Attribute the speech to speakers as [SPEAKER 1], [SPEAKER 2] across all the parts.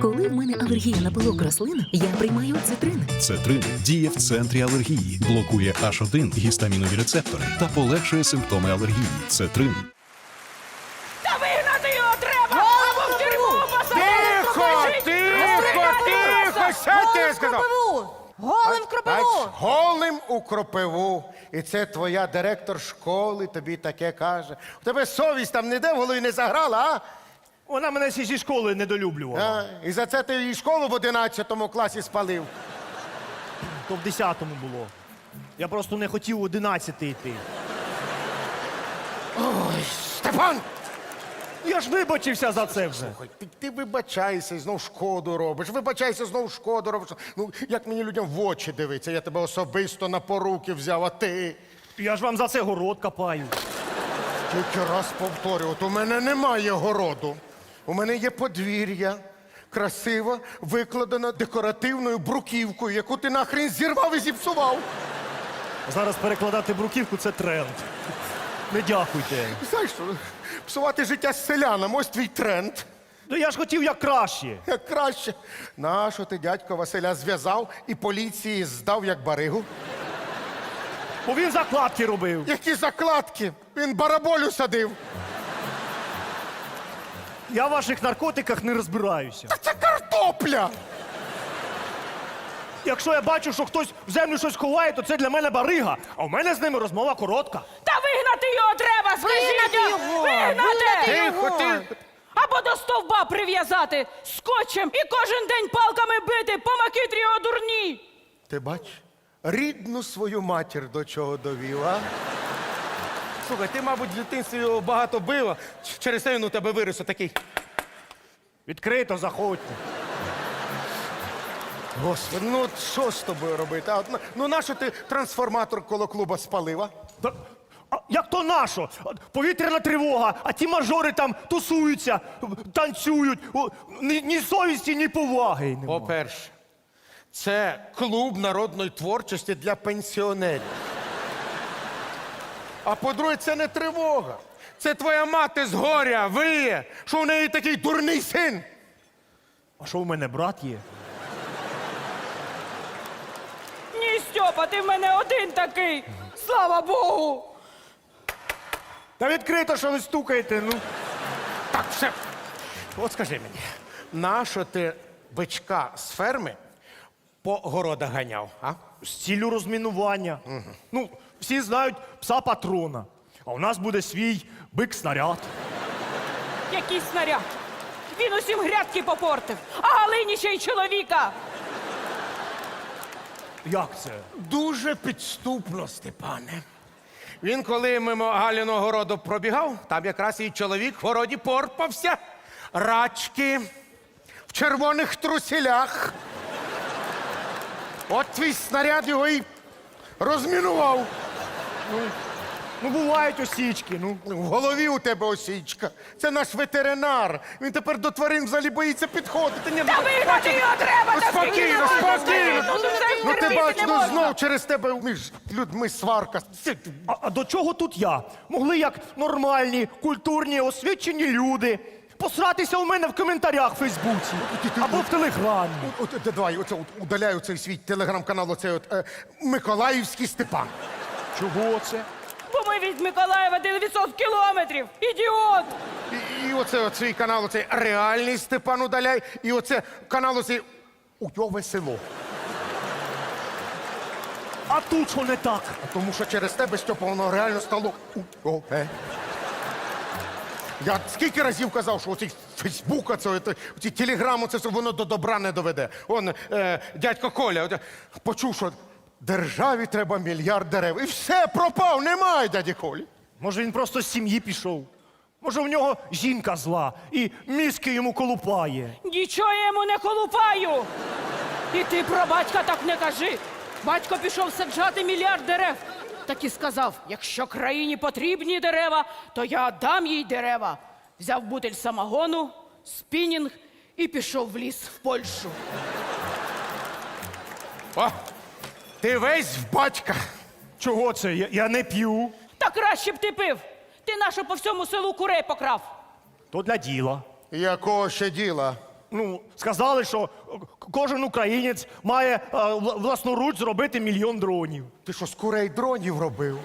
[SPEAKER 1] Коли в мене алергія на пилок рослин, я приймаю цитрин.
[SPEAKER 2] Цетрин діє в центрі алергії, блокує H1 гістамінові рецептори та полегшує симптоми алергії. Цетрин.
[SPEAKER 3] Та вигнати його треба! Або в тюрму посадити!
[SPEAKER 4] Тихо! Що ти сказав?
[SPEAKER 5] Голим в кропиву!
[SPEAKER 4] Бач, голим у кропиву. І це твоя директор школи тобі таке каже. У тебе совість там ніде в голові не заграла, а?
[SPEAKER 6] Вона мене ще зі школи недолюблювала.
[SPEAKER 4] І за це ти її школу в 11 класі спалив.
[SPEAKER 6] То в 10-му було. Я просто не хотів у 11-й йти.
[SPEAKER 4] Степан!
[SPEAKER 6] Я ж вибачився за це вже.
[SPEAKER 4] Слухай, ти вибачайся і знов шкоду робиш. Вибачайся, знов шкоду робиш. Ну, як мені людям в очі дивиться? Я тебе особисто на поруки взяв, а ти?
[SPEAKER 6] Я ж вам за це город копаю.
[SPEAKER 4] Тільки раз повторю, от у мене немає городу. У мене є подвір'я, красиво викладена декоративною бруківкою, яку ти нахрен зірвав і зіпсував.
[SPEAKER 6] Зараз перекладати бруківку – це тренд. Не дякуйте.
[SPEAKER 4] Знаєш, що, псувати життя з селянам, ось твій тренд.
[SPEAKER 6] Ну я ж хотів як краще.
[SPEAKER 4] Як краще. Нащо ти дядька Василя зв'язав і поліції здав як баригу?
[SPEAKER 6] Бо він закладки робив.
[SPEAKER 4] Які закладки? Він бараболю садив.
[SPEAKER 6] Я в ваших наркотиках не розбираюся.
[SPEAKER 4] Та це картопля!
[SPEAKER 6] Якщо я бачу, що хтось в землю щось ховає, то це для мене барига. А в мене з ними розмова коротка.
[SPEAKER 3] Та вигнати його треба, скажіть!
[SPEAKER 5] Вигнати його!
[SPEAKER 3] Вигнати!
[SPEAKER 4] Тихо, ти!
[SPEAKER 3] Або до стовба прив'язати скотчем і кожен день палками бити, по макітрі його дурні!
[SPEAKER 4] Ти бач, рідну свою матір до чого довів, а? Слухай, ти, мабуть, в дитинстві його багато била, через це він у тебе виріс отакий.
[SPEAKER 6] Відкрито заходьте.
[SPEAKER 4] Господи, ну от що з тобою робити? А? Ну нащо ти трансформатор коло клуба спалив, а?
[SPEAKER 6] А як то нашо? Повітряна тривога, а ті мажори там тусуються, танцюють. Ні совісті, ні поваги нема.
[SPEAKER 4] По-перше, це клуб народної творчості для пенсіонерів. А по-друге, це не тривога. Це твоя мати з горя виє, що в неї такий дурний син.
[SPEAKER 6] А що в мене брат є?
[SPEAKER 3] Ні, Стьопа, ти в мене один такий! Слава Богу!
[SPEAKER 6] Та відкрито, що ви стукаєте, ну.
[SPEAKER 4] Так, все. От скажи мені, нащо ти бичка з ферми по городах ганяв, а?
[SPEAKER 6] З ціллю розмінування. Ну, всі знають пса патрона. А у нас буде свій бик-снаряд.
[SPEAKER 3] Який снаряд! Він усім грядки попортив, а Галині ще й чоловіка!
[SPEAKER 6] Як це?
[SPEAKER 4] Дуже підступно, Степане. Він, коли мимо Галіного городу пробігав, там якраз і чоловік в городі порпався. Рачки, в червоних труселях. От твій снаряд його і розмінував.
[SPEAKER 6] Ну, бувають осічки, ну.
[SPEAKER 4] В голові у тебе осічка. Це наш ветеринар. Він тепер до тварин взагалі боїться підходити. Ні,
[SPEAKER 3] Та вигнати його треба! Та скільки
[SPEAKER 4] Спокійно,
[SPEAKER 3] можна
[SPEAKER 4] спокійно.
[SPEAKER 3] стояти? Тут все
[SPEAKER 4] Ну ти
[SPEAKER 3] терпіти
[SPEAKER 4] бач,
[SPEAKER 3] не
[SPEAKER 4] ну
[SPEAKER 3] можна.
[SPEAKER 4] знов через тебе між людьми сварка.
[SPEAKER 6] А до чого тут я? Могли як нормальні, культурні, освічені люди посратися у мене в коментарях в Фейсбуці або в Телеграмі.
[SPEAKER 4] От, давай, оце удаляю цей свій телеграм-канал, оцей от Миколаївський Степан.
[SPEAKER 6] Чого це?
[SPEAKER 3] Бо ми від Миколаєва 900 кілометрів! Ідіот!
[SPEAKER 4] І оце от свій канал, оцей реальний Степан удаляй, і оце канал оцей Уйове село.
[SPEAKER 6] А тут що не так?
[SPEAKER 4] Тому що через тебе, Степа, воно реально стало Уйове. Я скільки разів казав, що оцей Фейсбук, оці телеграми, це все воно до добра не доведе. Он, дядько Коля, почув, що державі треба мільярд дерев. І все, пропав, немає дяді Колі.
[SPEAKER 6] Може, він просто з сім'ї пішов? Може, в нього жінка зла і мізки йому колупає?
[SPEAKER 3] Нічого я йому не колупаю! І ти про батька так не кажи! Батько пішов саджати мільярд дерев. Так і сказав, якщо країні потрібні дерева, то я дам їй дерева. Взяв бутиль самогону, спінінг і пішов в ліс в Польщу.
[SPEAKER 4] О, ти весь в батька.
[SPEAKER 6] Чого це? Я не п'ю.
[SPEAKER 3] Та краще б ти пив! Ти нащо по всьому селу курей покрав?
[SPEAKER 6] То для діла.
[SPEAKER 4] Якого ще діла?
[SPEAKER 6] Ну, сказали, що кожен українець має власноруч зробити 1 мільйон дронів.
[SPEAKER 4] Ти що, з курей дронів робив?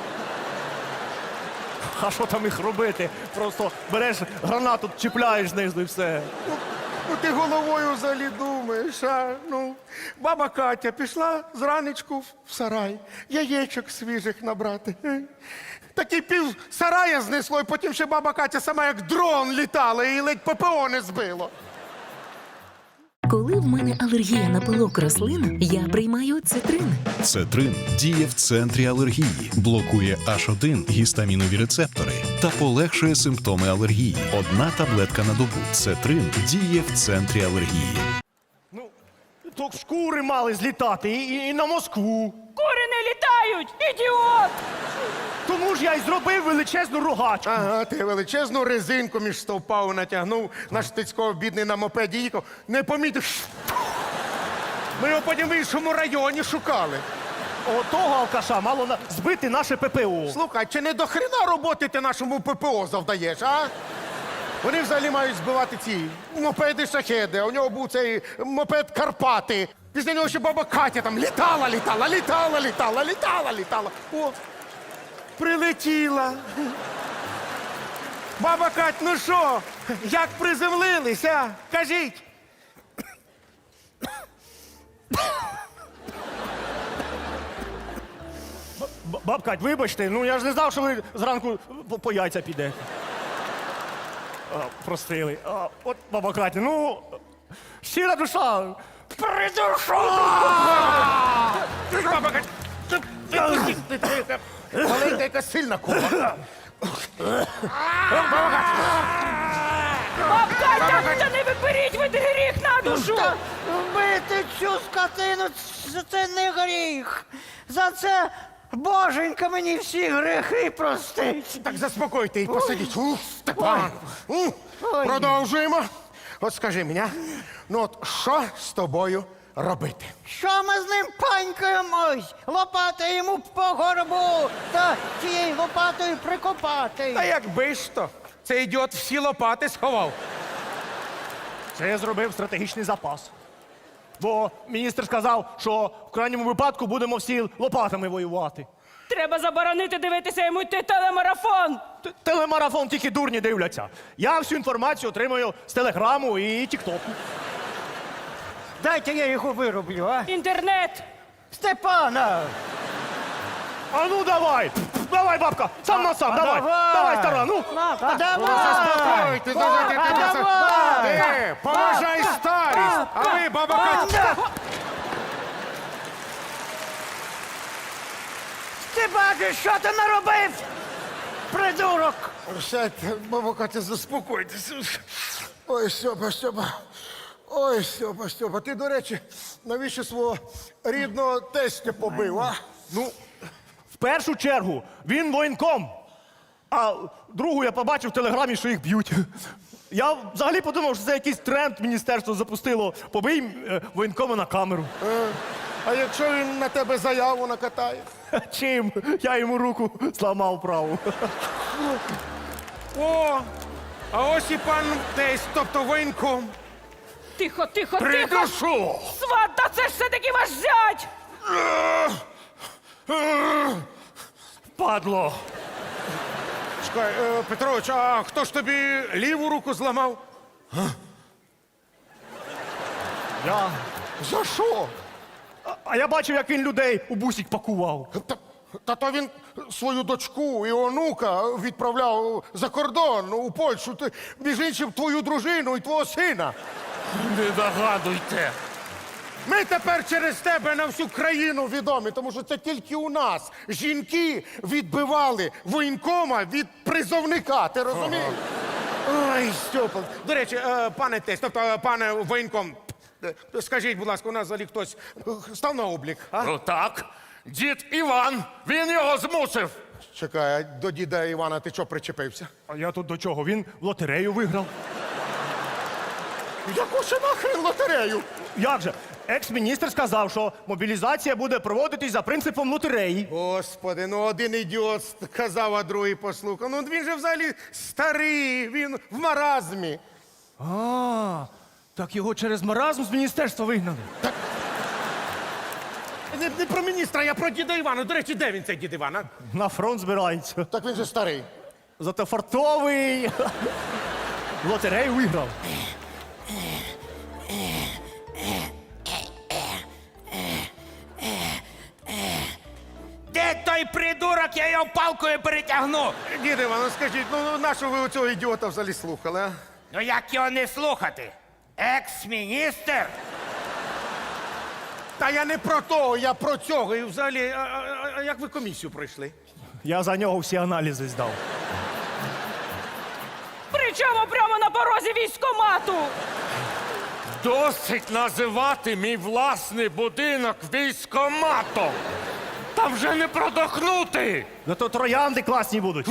[SPEAKER 6] А що там їх робити? Просто береш гранату, чіпляєш знизу і все.
[SPEAKER 4] Ну ти головою взагалі думаєш, а? Ну, баба Катя пішла зранечку в сарай, яєчок свіжих набрати. Такий пів сарая знесло, і потім ще баба Катя сама як дрон літала і ледь ППО не збило.
[SPEAKER 1] Коли в мене алергія на пилок рослин, я приймаю цитрин.
[SPEAKER 2] Цетрин діє в центрі алергії, блокує H1 гістамінові рецептори та полегшує симптоми алергії. Одна таблетка на добу. Цетрин діє в центрі алергії.
[SPEAKER 6] Ну, то шкури мали злітати і на Москву.
[SPEAKER 3] Кури не літають, ідіот!
[SPEAKER 6] Тому ж я й зробив величезну рогачку.
[SPEAKER 4] Ага, ти величезну резинку між стовпав натягнув, наш Стецько бідний на мопеді їхав, не помітив. Ми його потім в іншому районі шукали.
[SPEAKER 6] Отого алкаша мало збити наше ППО.
[SPEAKER 4] Слухай, чи не до хрена роботи ти нашому ППО завдаєш, а? Вони взагалі мають збивати ці мопеди-шахеди, а у нього був цей мопед Карпати. Після нього ще баба Катя там літала. О, прилетіла. Баба Кать, ну що, як приземлилися? Кажіть.
[SPEAKER 6] Бабкать, вибачте, ну я ж не знав, що ви зранку по яйця підете. Простили. От, баба Катя, ну, щира душа. Придушу!
[SPEAKER 4] Баба Кать, маленька яка сильна кума.
[SPEAKER 3] Бабка, та не виберіть ви гріх на душу!
[SPEAKER 5] Вбити цю скотину це не гріх. За це Боженька мені всі грехи простить.
[SPEAKER 4] Так заспокойте і посадіть. Ух, Степан. Продовжуємо. От скажи мені, ну от що з тобою робити?
[SPEAKER 5] Що ми з ним панькаємось? Лопати йому по горбу та тією лопатою прикопати.
[SPEAKER 4] Та якби ж то, цей ідіот всі лопати сховав.
[SPEAKER 6] Це я зробив стратегічний запас. Бо міністр сказав, що в крайньому випадку будемо всі лопатами воювати.
[SPEAKER 3] Треба заборонити дивитися йому телемарафон!
[SPEAKER 6] Телемарафон тільки дурні дивляться. Я всю інформацію отримую з Телеграму і Тіктоку.
[SPEAKER 5] Дайте я його вироблю, а?
[SPEAKER 3] Інтернет!
[SPEAKER 5] Степана!
[SPEAKER 6] А ну давай! Давай, бабка! Сам на сам, давай! Давай, стара, ну!
[SPEAKER 4] Заспокойтесь, Ти, поважай старість, а ви, баба Катя.
[SPEAKER 5] Ти бачиш, що ти наробив? Придурок!
[SPEAKER 4] Сядьте, баба Катя, заспокойтеся. Ой, Стьопа. Ой, Стьопа. Ти, до речі, навіщо свого рідного тестя побив, а?
[SPEAKER 6] Ну, в першу чергу, він воєнком. А другу я побачив в Телеграмі, що їх б'ють. Я взагалі подумав, що це якийсь тренд міністерство запустило. Побий воєнкома на камеру.
[SPEAKER 4] А якщо він на тебе заяву накатає?
[SPEAKER 6] Чим? Я йому руку зламав праву.
[SPEAKER 4] О, а ось і пан тесть, тобто воєнком.
[SPEAKER 3] Тихо!
[SPEAKER 4] Придушу!
[SPEAKER 3] Сват, та це ж все-таки ваш зять!
[SPEAKER 6] Падло.
[SPEAKER 4] Чекай, Петрович, а хто ж тобі ліву руку зламав?
[SPEAKER 6] Я.
[SPEAKER 4] За що?
[SPEAKER 6] А я бачив, як він людей у бусик пакував.
[SPEAKER 4] Та то він свою дочку і онука відправляв за кордон у Польщу. Ти, між іншим, твою дружину і твого сина.
[SPEAKER 6] Не догадуйте.
[SPEAKER 4] Ми тепер через тебе на всю країну відомі, тому що це тільки у нас жінки відбивали воєнкома від призовника. Ти розумієш? Ой, Стьопа. До речі, пане тесть, тобто пане воєнком, скажіть, будь ласка, у нас взагалі хтось став на облік? А?
[SPEAKER 7] Ну так, дід Іван, він його змусив.
[SPEAKER 4] Чекай, а до діда Івана ти чого причепився?
[SPEAKER 6] А я тут до чого? Він в лотерею виграв.
[SPEAKER 4] Яку ще нахрен лотерею?
[SPEAKER 6] Як же? Екс-міністр сказав, що мобілізація буде проводитись за принципом лотереї.
[SPEAKER 4] Господи, ну один ідіот казав, а другий послухав. Ну він же взагалі старий, він в маразмі.
[SPEAKER 6] А, Так його через маразм з міністерства вигнали.
[SPEAKER 4] Не про міністра, я про діда Івана. До речі, де він цей дід Іван? А?
[SPEAKER 6] На фронт збирається.
[SPEAKER 4] Так він же старий.
[SPEAKER 6] Зато фартовий. В лотерею виграв.
[SPEAKER 8] Де той придурок, я його палкою перетягну.
[SPEAKER 4] Дід Іван, ну скажіть, ну нащо ви оцього ідіота взагалі слухали, а?
[SPEAKER 8] Ну як його не слухати? Екс-міністр?
[SPEAKER 4] Та я не про того, я про цього. І взагалі, а як ви комісію пройшли?
[SPEAKER 6] Я за нього всі аналізи здав.
[SPEAKER 3] Причому прямо на порозі військкомату.
[SPEAKER 7] Досить називати мій власний будинок військкоматом. Там вже не продохнути.
[SPEAKER 6] Зато троянди класні будуть.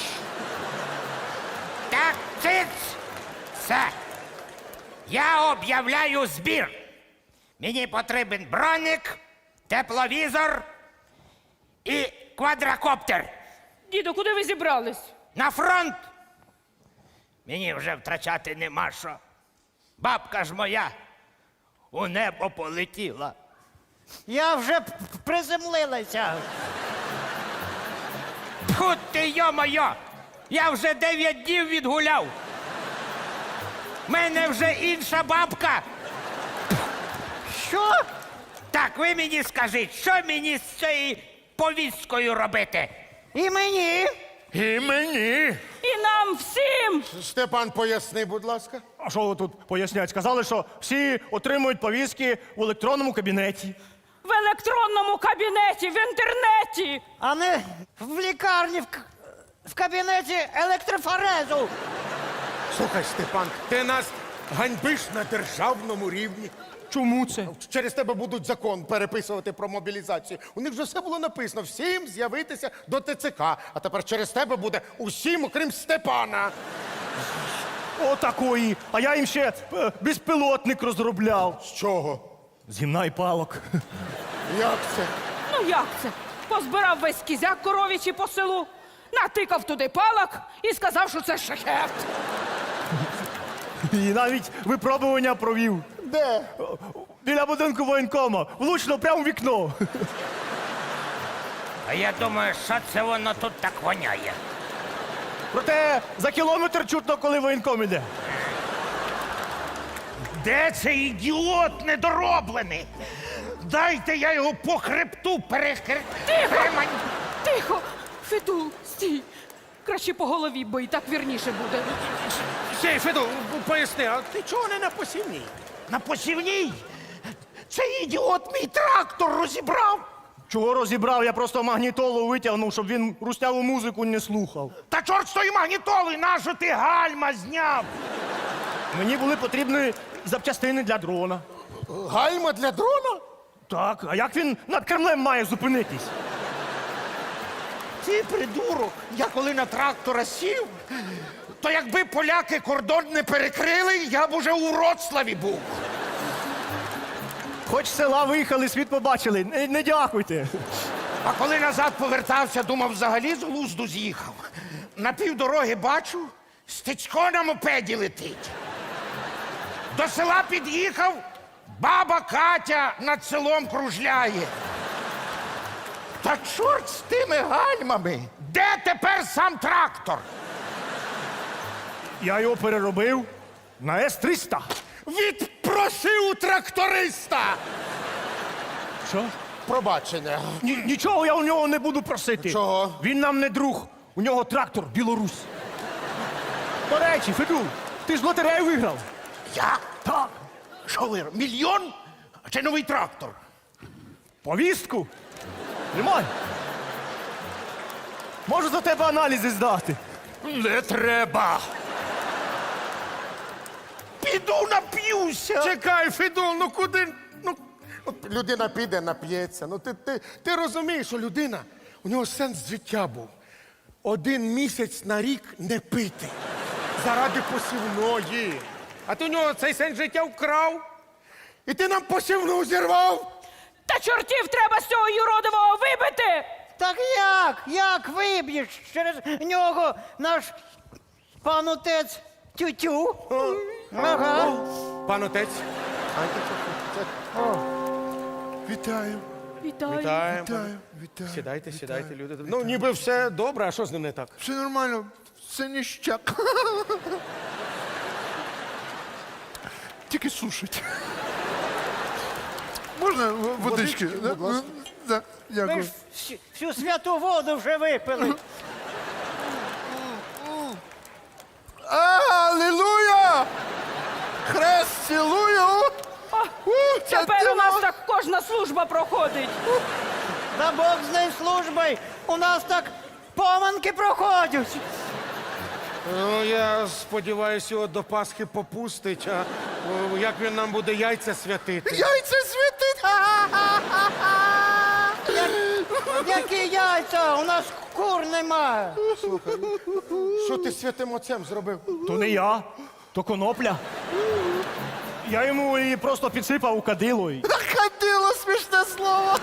[SPEAKER 8] Так, циц! Все. Я об'являю збір. Мені потрібен броник, тепловізор і квадрокоптер.
[SPEAKER 3] Діду, куди ви зібрались?
[SPEAKER 8] На фронт. Мені вже втрачати нема що. Бабка ж моя у небо полетіла.
[SPEAKER 5] Я вже приземлилася.
[SPEAKER 8] Тьфу ти, йо-моє! Я вже 9 днів відгуляв. Мене вже інша бабка.
[SPEAKER 5] Що?
[SPEAKER 8] Так, ви мені скажіть, що мені з цією повісткою робити?
[SPEAKER 5] І мені?
[SPEAKER 7] І мені.
[SPEAKER 3] І нам всім!
[SPEAKER 4] Степан, поясни, будь ласка.
[SPEAKER 6] А що ви тут пояснять? Сказали, що всі отримують повістки в електронному кабінеті.
[SPEAKER 3] В електронному кабінеті, в інтернеті!
[SPEAKER 5] А не в лікарні, в кабінеті електрофорезу.
[SPEAKER 4] Слухай, Степан, ти нас ганьбиш на державному рівні.
[SPEAKER 6] Чому це?
[SPEAKER 4] Через тебе будуть закон переписувати про мобілізацію. У них вже все було написано. Всім з'явитися до ТЦК. А тепер через тебе буде усім, окрім Степана.
[SPEAKER 6] Отакої. А я їм ще безпілотник розробляв.
[SPEAKER 4] З чого?
[SPEAKER 6] З гімна і палок.
[SPEAKER 4] Як це?
[SPEAKER 3] Ну як це? Позбирав весь кізяк коровічий по селу, натикав туди палок і сказав, що це шахет.
[SPEAKER 6] І навіть випробування провів.
[SPEAKER 4] Де?
[SPEAKER 6] Біля будинку воєнкома. Влучно прямо в вікно.
[SPEAKER 8] А я думаю, що це воно тут так воняє.
[SPEAKER 6] Проте за кілометр чутно, коли воєнком іде.
[SPEAKER 8] Де цей ідіот недороблений? Дайте я його по хребту перемань.
[SPEAKER 3] Тихо! Федул, стій! Краще по голові, бо і так вірніше буде.
[SPEAKER 4] Сей, Феду, поясни, а ти чого не на посівній?
[SPEAKER 8] На посівній? Цей ідіот мій трактор розібрав.
[SPEAKER 6] Чого розібрав? Я просто магнітолу витягнув, щоб він русняву музику не слухав.
[SPEAKER 8] Та чорт з тої магнітоли, нащо ти гальма зняв?
[SPEAKER 6] Мені були потрібні запчастини для дрона.
[SPEAKER 4] Гальма для дрона?
[SPEAKER 6] Так, а як він над Кремлем має зупинитись?
[SPEAKER 8] Ти придурок, я коли на трактора сів, то якби поляки кордон не перекрили, я б уже у Вроцлаві був.
[SPEAKER 6] Хоч з села виїхали, світ побачили. Не дякуйте.
[SPEAKER 8] А коли назад повертався, думав, взагалі з глузду з'їхав. На півдороги бачу, Стецько на мопеді летить. До села під'їхав, баба Катя над селом кружляє. Та чорт з тими гальмами! Де тепер сам трактор?
[SPEAKER 6] Я його переробив на С-300.
[SPEAKER 4] Відпроси у тракториста!
[SPEAKER 6] Що?
[SPEAKER 4] Пробачення.
[SPEAKER 6] Нічого я у нього не буду просити.
[SPEAKER 4] Чого?
[SPEAKER 6] Він нам не друг. У нього трактор Білорусь. До речі, Федул, ти ж лотерею виграв.
[SPEAKER 8] Я?
[SPEAKER 6] Так.
[SPEAKER 8] Що ви, мільйон? Чи новий трактор?
[SPEAKER 6] Повістку? Тримай. Можу за тебе аналізи здати.
[SPEAKER 7] Не треба.
[SPEAKER 8] Піду нап'юся.
[SPEAKER 4] Чекай, Федул, ну куди? Ну, от людина піде, нап'ється. Ну ти розумієш, що людина, у нього сенс життя був. 1 місяць на рік не пити. Заради посівної. А ти у нього цей сенс життя вкрав. І ти нам посівну зірвав.
[SPEAKER 3] Та чортів треба з цього юродивого вибити!
[SPEAKER 5] Так як? Як виб'єш через нього наш пан отець тютю? Ага.
[SPEAKER 4] Пан отець.
[SPEAKER 9] Вітаю,
[SPEAKER 3] Вітаю.
[SPEAKER 4] Вітаємо.
[SPEAKER 9] вітаю.
[SPEAKER 4] Сідайте, сідайте, люди. Ну, ніби все добре, а що з ним не так?
[SPEAKER 9] Все нормально, все ніщак. Тільки сушить. Можна водички?
[SPEAKER 4] Будь ласка.
[SPEAKER 9] Да,
[SPEAKER 5] Ми
[SPEAKER 9] дякую.
[SPEAKER 5] ж всю святу воду вже випили.
[SPEAKER 9] Алілуя! Хрест цілую! Це
[SPEAKER 3] Тепер
[SPEAKER 9] диво!
[SPEAKER 3] у нас так кожна служба проходить.
[SPEAKER 5] Да Бог з нею службою. У нас так поминки проходять.
[SPEAKER 4] Ну, я сподіваюся, його до Пасхи попустить, а як він нам буде яйця святити?
[SPEAKER 9] Яйця світить!
[SPEAKER 5] Які яйця? У нас кур немає.
[SPEAKER 4] Що ти святим отцем зробив?
[SPEAKER 6] То не я, то конопля. Я йому її просто підсипав у кадило.
[SPEAKER 9] Ходило смішне слово!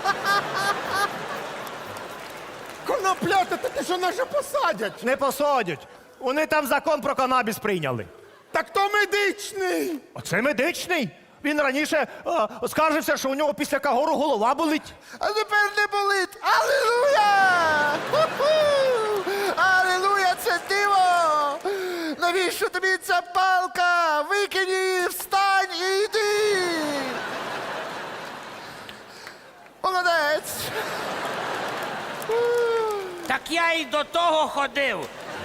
[SPEAKER 4] Коноплята, ти що нас же посадять?
[SPEAKER 6] Не посадять. Вони там закон про канабіс прийняли.
[SPEAKER 4] Так то медичний.
[SPEAKER 6] Оце медичний. Він раніше скаржився, що у нього після кагору голова болить.
[SPEAKER 9] А тепер не болить! Алілуя! Ху-ху! Алілуя, це диво! Навіщо тобі ця палка? Викинь її, встань і йди! Молодець!
[SPEAKER 8] Так я і до того ходив.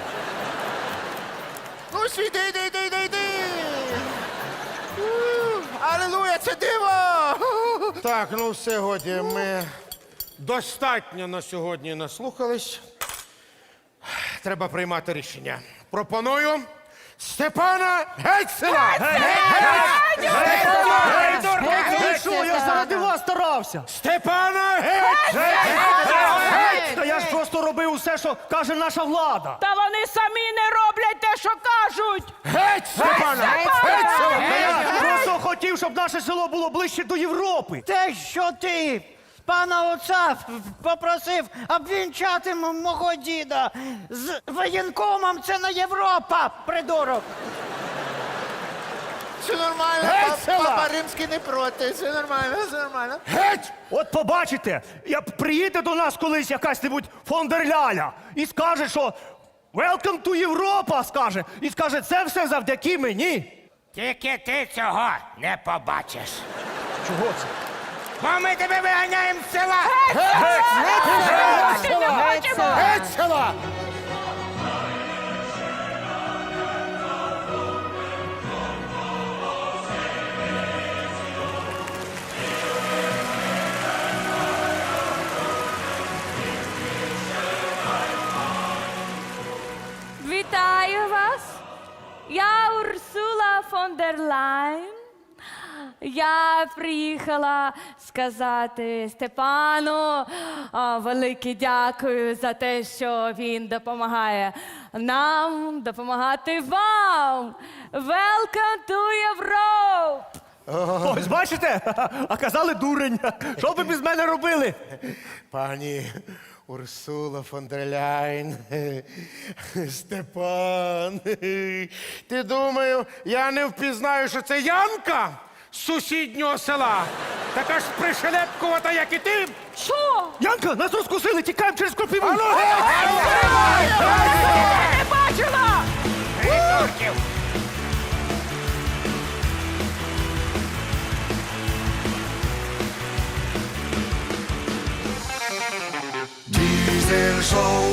[SPEAKER 9] Ну, йди, йди! Алілуя, це диво!
[SPEAKER 4] Так, ну все, годі, ми достатньо на сьогодні наслухались. Треба приймати рішення. Пропоную Степана Гетцеля!
[SPEAKER 6] Ви що, я ж заради вас старався.
[SPEAKER 4] Степана Гетцеля!
[SPEAKER 6] Та я ж просто робив усе, що каже наша влада.
[SPEAKER 3] Та вони самі не роблять те, що кажуть.
[SPEAKER 4] Геть Степана Гетцеля!
[SPEAKER 6] Я просто хотів, щоб наше село було ближче до Європи.
[SPEAKER 5] Те, що ти пана отця попросив обвінчати мого діда з воєнкомом, це не Європа, придурок.
[SPEAKER 9] Все нормально,
[SPEAKER 4] Гетцеля!
[SPEAKER 9] папа римський не проти, все нормально, все нормально.
[SPEAKER 4] Геть!
[SPEAKER 6] От побачите, як приїде до нас колись якась-небудь фон дер Ляля і скаже, що «Welcome to Європа», скаже, і скаже, це все завдяки мені.
[SPEAKER 8] Тільки ти цього не побачиш.
[SPEAKER 6] Чого це?
[SPEAKER 8] Бо ми тебе виганяємо з села.
[SPEAKER 4] Гетцеля!
[SPEAKER 10] Вітаю вас! Я Урсула фон дер Лайн. Я приїхала сказати Степану велике дякую за те, що він допомагає нам, допомагати вам. Welcome to Europe!
[SPEAKER 6] Ось бачите? А казали дурень. Що ви без мене робили?
[SPEAKER 4] Пані Урсула фон дер Ляйн, Степан, ти думаю, я не впізнаю, що це Янка з сусіднього села? Така ж пришелепкувата, як і ти?
[SPEAKER 3] Що?
[SPEAKER 6] Янка, нас розкусили, тікаємо через кропиву.
[SPEAKER 4] Ану, геть!
[SPEAKER 3] Не бачила!
[SPEAKER 8] Придурків.
[SPEAKER 9] Diesel Show.